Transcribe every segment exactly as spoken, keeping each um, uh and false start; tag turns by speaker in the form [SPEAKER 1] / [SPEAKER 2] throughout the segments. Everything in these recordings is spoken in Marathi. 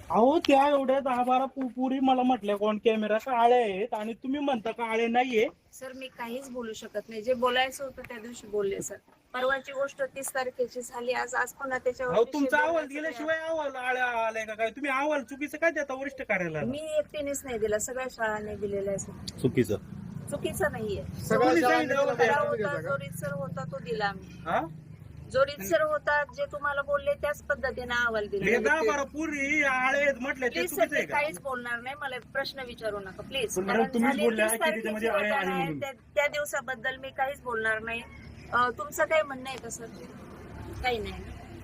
[SPEAKER 1] अहो त्या एवढ्या दहा बारा पु- पुरी मला म्हटल्या कोण कॅमेरा का आळे आहेत आणि तुम्ही म्हणता का आळे नाहीये.
[SPEAKER 2] सर मी काहीच बोलू शकत नाही. जे बोलायचं होतं त्या दिवशी बोलले सर. परवाची गोष्ट तीस तारखेची झाली. आज आज पुन्हा त्याच्यावर
[SPEAKER 1] अहो
[SPEAKER 2] विषय
[SPEAKER 1] तुमचा अहवाल
[SPEAKER 2] बोलण्याचं
[SPEAKER 1] दिल्याशिवाय अहवाल आळ्या आलाय का काय? तुम्ही अहवाल चुकीचं काय देता वरिष्ठ कार्यालयाला?
[SPEAKER 2] मी एकटीनेच नाही दिला, सगळ्या शाळांनी दिलेला आहे सर.
[SPEAKER 3] चुकीचं
[SPEAKER 2] चुकीचं नाहीये.
[SPEAKER 1] सगळ्या
[SPEAKER 2] जो
[SPEAKER 1] शाळांनी
[SPEAKER 2] खरा
[SPEAKER 1] दिलेला
[SPEAKER 2] होता, जो रीतसर होता तो दिला आम्ही.
[SPEAKER 1] हा?
[SPEAKER 2] जो रीतसर होता जे तुम्हाला बोलले त्याच पद्धतीने अहवाल
[SPEAKER 1] हे
[SPEAKER 2] दिला.
[SPEAKER 1] दहा बारा पुरी आळे आहेत म्हटले ते
[SPEAKER 2] प्लीज सर
[SPEAKER 1] चुकीचं
[SPEAKER 2] मी
[SPEAKER 1] आहे का?
[SPEAKER 2] काहीच बोलणार नाही. मला प्रश्न विचारू नका प्लीज.
[SPEAKER 4] पण मॅडम,
[SPEAKER 2] कारण
[SPEAKER 4] तुम्हीच
[SPEAKER 2] झाली
[SPEAKER 4] बोलल्या
[SPEAKER 2] तीस
[SPEAKER 4] की
[SPEAKER 2] तारखेची
[SPEAKER 4] त्याच्यामध्ये आळे
[SPEAKER 2] घटना
[SPEAKER 4] आहे
[SPEAKER 2] आहे.
[SPEAKER 4] म्हणून.
[SPEAKER 2] त्या त्या दिवसाबद्दल मी काहीच बोलणार नाही. अं, तुमचं काही म्हणणं आहे का सर? काही नाही.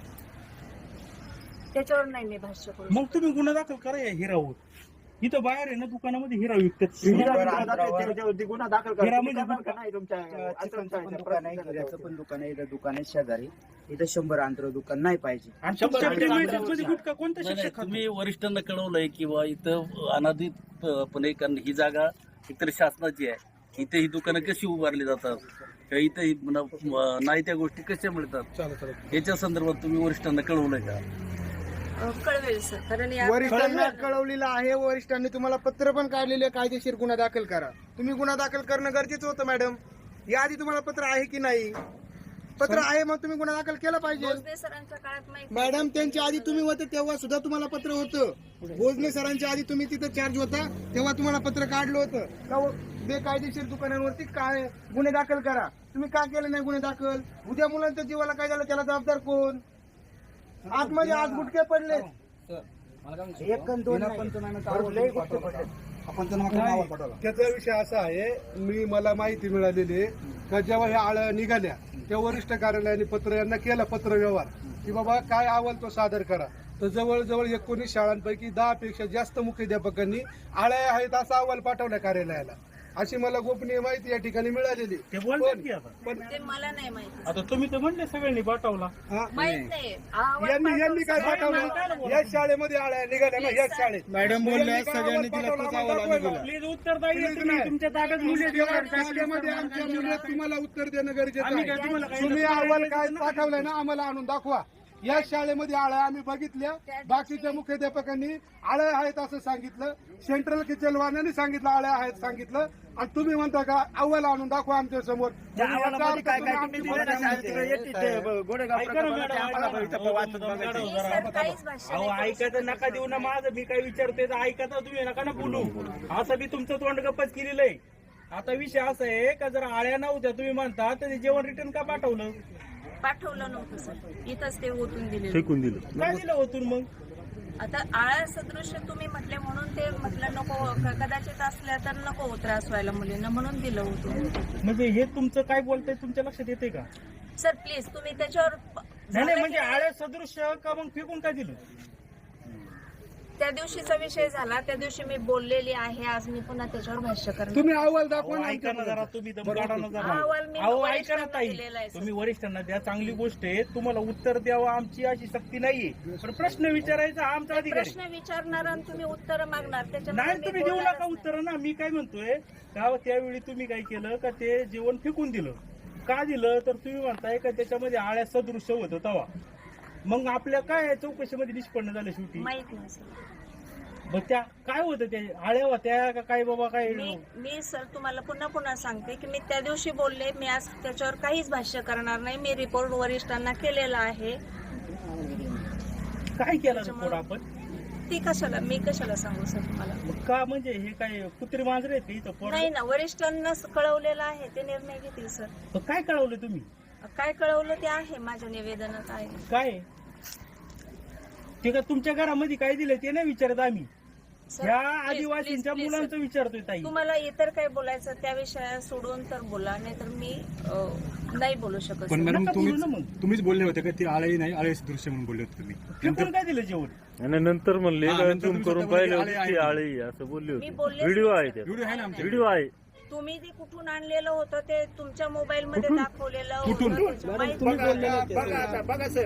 [SPEAKER 2] त्याच्यावर नाही मी भाष्य करू.
[SPEAKER 1] मग तुम्ही गुन्हा दाखल करा या हिरावर. इथं बाहेर आहे ना दुकानामध्ये हिरा विकतात.
[SPEAKER 4] गुन्हा दाखल करा.
[SPEAKER 1] हिरा
[SPEAKER 4] तुम्ही
[SPEAKER 1] म्हणजे
[SPEAKER 4] करणार का नाही तुमच्या
[SPEAKER 5] चिकनचं पण दुकान आहे, हिऱ्याचं पण दुकान आहे, इथं दुकान आहे शेजारी. इथं शंभर अंतर दुकान नाही पाहिजे.
[SPEAKER 1] आणि तुमच्या
[SPEAKER 3] शंभर
[SPEAKER 1] मध्ये
[SPEAKER 3] टक्के
[SPEAKER 1] गुटखा कोणता
[SPEAKER 3] नाही, नाही,
[SPEAKER 1] शिक्षक खातो?
[SPEAKER 3] तुम्ही वरिष्ठांना कळवलंय किंवा इथं अनाधितपणे कारण ही जागा एकतर शासनाची आहे. इथे ही दुकानं कशी उभारली जातात किंवा इथे ही म्हणा, म, नाही त्या गोष्टी कशा मिळतात याच्या संदर्भात तुम्ही वरिष्ठांना कळवलंय का?
[SPEAKER 2] अं, कळवेल सर. कारण या
[SPEAKER 6] वरिष्ठांना कळवलेलं आहे. वरिष्ठांनी तुम्हाला पत्र पण काढलेले, कायदेशीर गुन्हा दाखल करा. तुम्ही गुन्हा दाखल करणं गरजेचं होतं मॅडम. याआधी तुम्हाला पत्र आहे की नाही? पत्र आहे, मग तुम्ही गुन्हा दाखल केला पाहिजे.
[SPEAKER 2] भोसले सरांच्या काळात माहिती
[SPEAKER 6] मॅडम त्यांच्या आधी तुम्ही होते तेव्हा सुद्धा तुम्हाला पत्र होतं. भोजने सरांच्या आधी तुम्ही तिथं चार्ज होता तेव्हा तुम्हाला पत्र काढलं होतं का हो, बेकायदेशीर दुकानांवरती काय गुन्हे दाखल करा. तुम्ही का केले नाही गुन्हे दाखल? उद्या मुलांच्या जीवाला काय झालं त्याला जबाबदार कोण? आतमध्ये आज गुटके पडले.
[SPEAKER 5] एक आणि दोन नाही. भरपूर लई गोष्टी पडल्या.
[SPEAKER 7] त्याचा विषय असा आहे, मी मला माहिती मिळालेली आहे का जेव्हा ह्या आळ्या निघाल्या तेव्हा वरिष्ठ कार्यालयाने पत्र यांना केला पत्र व्यवहार की बाबा काय अहवाल तो सादर करा. तर जवळजवळ एकोणीस शाळांपैकी दहा पेक्षा जास्त मुख्याध्यापकांनी आळ्या आहेत असा अहवाल पाठवला कार्यालयाला. अशी मला गोपनीय माहिती या ठिकाणी मिळालेली.
[SPEAKER 1] ते बोलतात की आता.
[SPEAKER 7] पण
[SPEAKER 2] ते मला नाही माहिती.
[SPEAKER 1] आता तुम्ही तर म्हणले सगळ्यांनी पाठवला.
[SPEAKER 7] हा,
[SPEAKER 2] माहित नाही. अहवाल
[SPEAKER 7] यांनी यांनी काय
[SPEAKER 2] पाठवला.
[SPEAKER 7] पाठवलं? याच शाळेमध्ये आळ्या निघाल्या ना, याच शाळेत.
[SPEAKER 6] मॅडम बोलल्या
[SPEAKER 7] यांनी काय
[SPEAKER 6] सगळ्यांनी
[SPEAKER 7] अहवाल
[SPEAKER 6] दिला
[SPEAKER 7] पाठवला?
[SPEAKER 6] तोच अहवाल आम्ही दिला.
[SPEAKER 1] प्लीज उत्तर द्या.
[SPEAKER 7] Please
[SPEAKER 1] तुम्ही
[SPEAKER 7] नाही.
[SPEAKER 1] तुमच्या ताब्यात मुली
[SPEAKER 7] शाळेमध्ये आमच्या मुलं तुम्हाला उत्तर देणं गरजेचं
[SPEAKER 1] आम्ही काय
[SPEAKER 7] आहे.
[SPEAKER 1] तुम्हाला काही
[SPEAKER 7] तुम्ही
[SPEAKER 1] नसतं
[SPEAKER 7] अहवाल
[SPEAKER 1] करायचं
[SPEAKER 7] काय
[SPEAKER 1] ना?
[SPEAKER 7] पाठवलाय ना आम्हाला आणून दाखवा. या शाळेमध्ये आळ्या आम्ही बघितल्या. बाकीच्या मुख्याध्यापकांनी आळ्या आहेत असं सांगितलं. सेंट्रल किचनवाल्याने सांगितलं आळ्या आहेत सांगितलं. आणि तुम्ही म्हणता का अहवाल आणून दाखवा आमच्या समोर.
[SPEAKER 4] त्या अहवालामध्ये काय काय तुम्ही दिलं ना शाळेत
[SPEAKER 1] ऐका ना मॅडम,
[SPEAKER 2] मी सर काहीच भाष्य
[SPEAKER 1] अहो
[SPEAKER 2] नाही करू
[SPEAKER 1] ऐकायचं नका देऊ ना माझं. मी काय विचारतोय तर ऐका तर तुम्ही नका ना बोलू. असं बी तुमचं तोंड गप्पच केलेलं आहे. आता विषय असा आहे का जर आळ्या नव्हत्या तुम्ही म्हणता तर ते जेवण रिटर्न का पाठवलं?
[SPEAKER 2] पाठवलं नव्हतं सर. इथंच ते ओतून दिले.
[SPEAKER 3] फेकून दिलं.
[SPEAKER 1] काय दिलं होतून मग?
[SPEAKER 2] आता आळा सदृश्य तुम्ही म्हटले म्हणून ते म्हटलं नको, क- कदाचित असल्या तर नको हो त्रास व्हायला मुलींना म्हणून दिलं होतं.
[SPEAKER 1] म्हणजे हे तुमचं काय बोलतंय तुमच्या लक्षात येते का?
[SPEAKER 2] सर प्लीज तुम्ही त्याच्यावर प-
[SPEAKER 1] नाही नाही
[SPEAKER 2] झालं
[SPEAKER 1] म्हणजे
[SPEAKER 2] की
[SPEAKER 1] आळ्या सदृश्य का मग फेकून काय दिलं?
[SPEAKER 2] त्या दिवशीचा विषय झाला. त्या दिवशी मी बोललेली आहे. आज मी पुन्हा त्याच्यावर भाष्य करणार.
[SPEAKER 7] तुम्ही अहवाल दाखवा
[SPEAKER 1] अहो,
[SPEAKER 7] ना
[SPEAKER 1] ऐका ना जरा तुम्ही दम काढा ना जरा.
[SPEAKER 2] अहवाल मी
[SPEAKER 1] अहो ऐका ना
[SPEAKER 2] वरिष्ठांना
[SPEAKER 1] ताई,
[SPEAKER 2] दिलेला आहे, सर.
[SPEAKER 1] तुम्ही वरिष्ठांना द्या, चांगली गोष्ट आहे. तुम्हाला उत्तर द्यावं आमची अशी सक्ती नाहीये. पण प्रश्न विचारायचा हा आमचा अधिकार आहे.
[SPEAKER 2] प्रश्न विचारणार आणि तुम्ही उत्तर मागणार त्याच्यामध्ये
[SPEAKER 1] नाही
[SPEAKER 2] मी
[SPEAKER 1] तुम्ही देऊ
[SPEAKER 2] बोलणारच
[SPEAKER 1] नका
[SPEAKER 2] नाही.
[SPEAKER 1] उत्तर ना. मी काय म्हणतोय का त्यावेळी तुम्ही काय केलं का ते जेवण फेकून दिलं. का दिलं तर तुम्ही म्हणताय का त्याच्यामध्ये आळ्या सदृश्य होतं तवा. मग आपल्या काय चौकशीमध्ये निष्पन्न झालं शेवटी?
[SPEAKER 2] माहित नाही सर.
[SPEAKER 1] मग त्या काय होतं त्या आळ्या होत्या का काय बाबा काय?
[SPEAKER 2] मी मी सर तुम्हाला पुन्हा पुन्हा सांगते की मी त्या दिवशी बोलले. मी आज त्याच्यावर काहीच भाष्य करणार नाही. मी रिपोर्ट वरिष्ठांना केलेला आहे.
[SPEAKER 1] काय केलं रिपोर्ट आपण?
[SPEAKER 2] ती कशाला मी कशाला सांगू सर तुम्हाला?
[SPEAKER 1] मग का म्हणजे हे काय कुत्री मांजरे आहेत का इथं पोरं?
[SPEAKER 2] नाही ना, वरिष्ठांना कळवलेलं आहे. ते निर्णय घेतील सर.
[SPEAKER 1] मग काय कळवलं तुम्ही?
[SPEAKER 2] काय कळवलं ते आहे माझ्या निवेदनात आहे.
[SPEAKER 1] काय ते का तुमच्या घरामध्ये काय दिलं ते नाही विचारत आम्ही.
[SPEAKER 2] सर,
[SPEAKER 1] ह्या
[SPEAKER 2] please,
[SPEAKER 1] आदिवासींच्या
[SPEAKER 2] please, please,
[SPEAKER 1] मुलांचं
[SPEAKER 2] सर.
[SPEAKER 1] विचारतोय ताई.
[SPEAKER 2] तुम्हाला इतर काय बोलायचं त्या विषया सोडून तर बोला, नाही तर मी अं, नाही बोलू शकत
[SPEAKER 4] पण
[SPEAKER 2] सर.
[SPEAKER 4] मॅडम
[SPEAKER 1] नका बोलू ना
[SPEAKER 4] तुम्हीच
[SPEAKER 1] मग.
[SPEAKER 4] तुम्हीच बोलले होते का ती आळे नाही आळे दृश्य म्हणून बोलले होते तुम्ही.
[SPEAKER 1] फेकून काय दिलं जेवण?
[SPEAKER 3] आणि नंतर म्हणले
[SPEAKER 4] हा,
[SPEAKER 3] का
[SPEAKER 4] नंतर
[SPEAKER 3] झूम
[SPEAKER 4] तुम्ही
[SPEAKER 3] करून
[SPEAKER 4] स्वतः
[SPEAKER 3] पाहिले
[SPEAKER 4] बोलले,
[SPEAKER 3] होते
[SPEAKER 4] आळे
[SPEAKER 3] की
[SPEAKER 4] आहे.
[SPEAKER 3] आळे असं बोलले
[SPEAKER 2] मी
[SPEAKER 3] होते.
[SPEAKER 2] बोलले
[SPEAKER 3] व्हिडिओ आहे त्यात.
[SPEAKER 4] व्हिडिओ आहे ना आमच्या
[SPEAKER 3] व्हिडिओ आहे.
[SPEAKER 2] तुम्ही ते कुठून आणलेलं होतं ते तुमच्या मोबाईल मध्ये
[SPEAKER 4] कुठून?
[SPEAKER 2] दाखवलेलं
[SPEAKER 4] कुठून?
[SPEAKER 2] होतं त्याचं माहिती
[SPEAKER 7] बघा बघा आता बघा सर.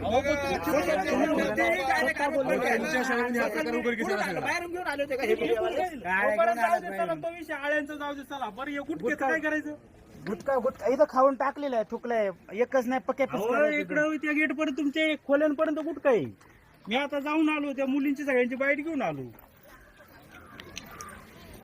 [SPEAKER 4] तुमच्या शाळेमध्ये हा प्रकार उघडकीस आला सगळा.
[SPEAKER 1] फेकून काय दिलं? तोपर्यंत जाऊ दे, चला, तो विषय आळ्यांचा जाऊ दे चला. बरं हे गुटख्याचं काय करायचं?
[SPEAKER 5] गुटखा गुटखा इथं खाऊन टाकलेलं आहे, थुकलंय. एकच नाही पक्या
[SPEAKER 1] अहो इकडं त्या गेट पर्यंत तुमच्या खोल्यांपर्यंत गुटखा आहे. मी आता जाऊन आलो त्या मुलींची सगळ्यांची बाईट घेऊन आलो